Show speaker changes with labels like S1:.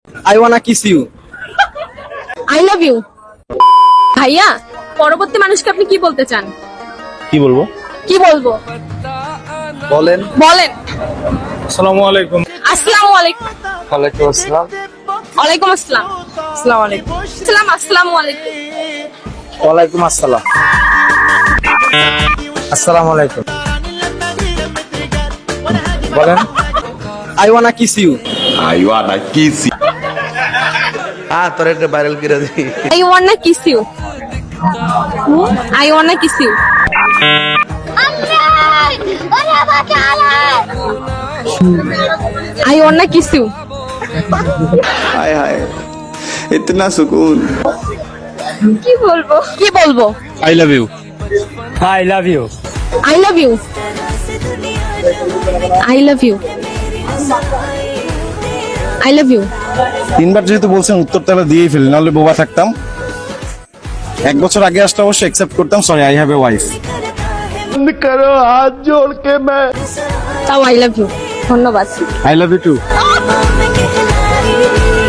S1: I wanna kiss you.
S2: I love you. ভাইয়া, পরবর্তী মানুষকে আপনি কি বলতে চান?
S3: কি বলবো?
S2: কি বলবো
S1: বলেন।
S2: বলেন।
S3: আসসালামু আলাইকুম।
S2: আসসালামু আলাইকুম।
S1: ওয়ালাইকুম আসসালাম।
S2: ওয়ালাইকুম আসসালাম। আসসালামু আলাইকুম। আসসালাম, আসসালামু আলাইকুম।
S1: ওয়ালাইকুম আসসালাম। আসসালামু আলাইকুম। বলেন। I wanna kiss you.
S4: I wanna kiss you.
S5: তোর একটা ভাইরাল করে দিই।
S2: I wanna kiss you. I wanna kiss you. I wanna kiss you.
S4: हाय हाय इतना सुकून।
S2: কি বলবো? কি বলবো?
S3: I love you. I love you.
S2: I love you. I love you. I love you.
S3: তিনবার যেহেতু বলছেন উত্তর তাহলে দিয়েই ফেলি, নাহলে বোবা থাকতাম। 1 বছর আগে আসলে অবশ্যই অ্যাকসেপ্ট করতাম। Sorry, I have a wife.
S2: তাও I love you. ধন্যবাদ।
S3: I love you two.